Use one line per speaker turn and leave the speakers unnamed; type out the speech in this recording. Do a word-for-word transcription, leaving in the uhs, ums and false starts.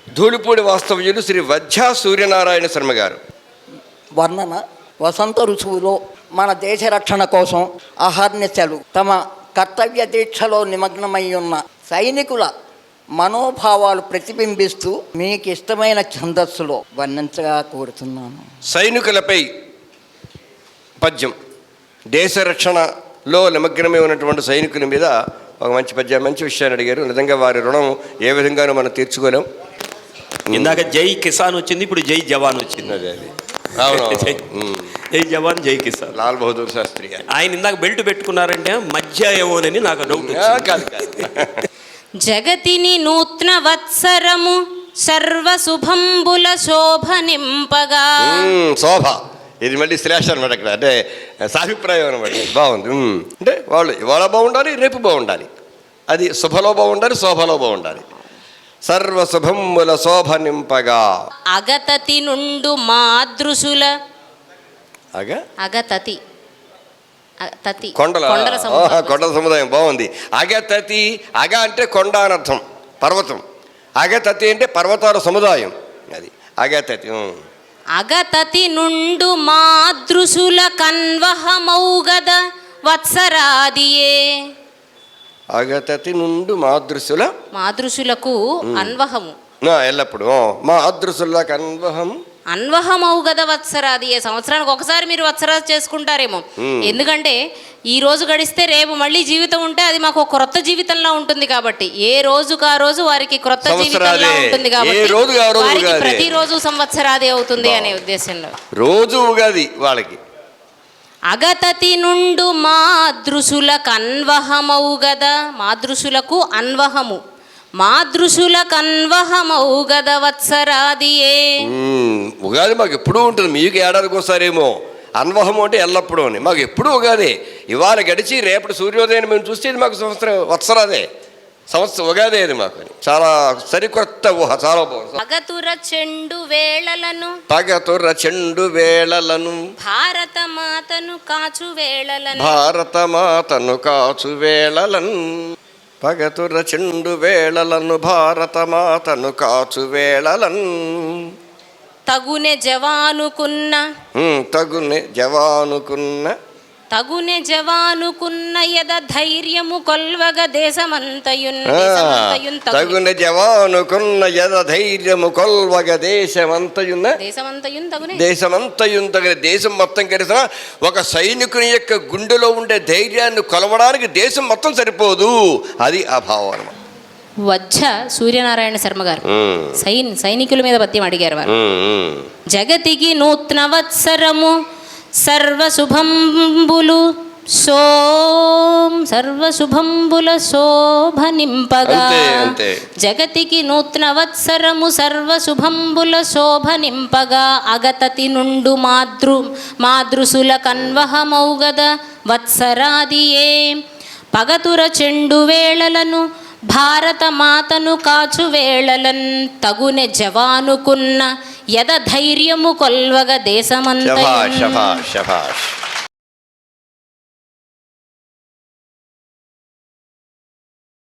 ధూళిపూడి వాస్తవ్యులు శ్రీ వజ్జా సూర్యనారాయణ శర్మ గారు.
వర్ణన. వసంత ఋతువులో మన దేశ రక్షణ కోసం అహర్నిశలు తమ కర్తవ్య దీక్షలో నిమగ్నమై ఉన్న సైనికుల మనోభావాలు ప్రతిబింబిస్తూ మీకు ఇష్టమైన ఛందస్సులో వర్ణించగా కోరుతున్నాను.
సైనికులపై పద్యం. దేశ రక్షణలో నిమగ్నమై ఉన్నటువంటి సైనికుల మీద ఒక మంచి పద్యం, మంచి విషయాన్ని అడిగారు. నిజంగా వారి రుణం ఏ విధంగానూ మనం తీర్చుకోలేం.
ఇందాక జై కిసాన్ వచ్చింది, ఇప్పుడు జై జవాన్ వచ్చింది.
అదే అది అవును.
జై జవాన్ జై కిసాన్.
లాల్ బహదూర్ శాస్త్రి గారు
ఆయన ఇందాక బెల్ట్ పెట్టుకున్నారంటే మధ్య ఏమోనని నాకు డౌట్.
కాదు కాదు.
జగతిని నూత్న వత్సరము సర్వశుభంబుల శోభ నింపగా.
శోభ ఇది మళ్ళీ శ్రేష అనమాట. ఇక్కడ అంటే సాభిప్రాయం అనమాట. బాగుంది. అంటే వాళ్ళు ఇవాళ బాగుండాలి, రేపు బాగుండాలి. అది శుభలో బాగుండాలి, శోభలో బాగుండాలి. సర్వశుభంబుల శోభ నింపగా.
అగతతి నుండు మాదృశుల
అగ
అగతతి తతి
కొండల కొండల సముదాయం. బాగుంది. అగతతి. అగ అంటే కొండ అనర్థం, పర్వతం. అగతతి అంటే పర్వతాల సముదాయం. అది అగతతి.
అగతతి నుండు మాదృశుల కన్వహమౌగద వత్సరాదియే.
అగతతి నుండు మాదృశుల
మాదృశులకు అన్వహము
ఎల్లప్పుడు మా అదృశులకు అన్వహం
అన్వహమౌగద వత్సరాది. ఏ సంవత్సరానికి ఒకసారి మీరు వత్సరాది చేసుకుంటారేమో. ఎందుకంటే ఈ రోజు గడిస్తే రేపు మళ్ళీ జీవితం ఉంటే అది మాకు క్రొత్త జీవితంలా ఉంటుంది. కాబట్టి ఏ రోజుకు ఆ రోజు వారికి క్రొత్త జీవితంలా ఉంటుంది. కాబట్టి వారికి ప్రతిరోజు సంవత్సరాది అవుతుంది అనే ఉద్దేశంలో
రోజు ఉగాది వాళ్ళకి.
అగతతి నుండు మాదృశులకు అన్వహమౌగద. మాదృశులకు అన్వహము, మాదృశులకు అన్వహమౌగద వత్సరాదియే.
ఉగాది మాకు ఎప్పుడూ ఉంటుంది. మీకు ఏడాదికి ఒకసారేమో. అన్వహం అంటే ఎల్లప్పుడూ అని. మాకు ఎప్పుడూ ఉగాది. ఇవాళ గడిచి రేపటి సూర్యోదయం మేము చూస్తే ఇది మాకు సంవత్సరం వత్సరాదే, సంవత్సరం ఉగాదే అది మాకు. చాలా సరికొత్త ఊహ. చాలా బాగుంది.
పగతుర చెండు వేళలను
పగతుర చెండు వేళలను
భారత మాతను కాచు వేళలను
భారత మాతను కాచు వేళలను పగతుర చెండు వేళలను భారత మాతను కాచు వేళలను
తగునె జవానుకున్న
తగునె జవానుకున్న
తగునె జవానుకున్న యద ధైర్యము కొల్వగ దేశమంతయున్.
తగునె జవానుకున్న యద ధైర్యము కొల్వగ దేశమంతయున్న
దేశమంతయున్ తగునె
దేశమంతయున్ తగిన. దేశం మొత్తం కలిసిన ఒక సైనికుని యొక్క గుండెలో ఉండే ధైర్యాన్ని కొలవడానికి దేశం మొత్తం సరిపోదు. అది ఆ భావం.
వజ్జ సూర్యనారాయణ శర్మ గారు సైన్ సైనికుల మీద పద్యం అడిగారు వారు. జగతికి నూత్న వత్సరము సర్వశుభంబులు సోం సర్వశుభంబుల శోభ నింపగా. జగతికి నూత్న వత్సరము సర్వశుభంబుల శోభ నింపగా. అగతతి నుండు మాతృ మాదృశుల కన్వహమౌగద వత్సరాదియే. పగతుర చెండు వేళలను భారత మాతను కాచు వేళలన్ తగునె జవానుకున్న యద ధైర్యము కొల్వగ దేశమంత.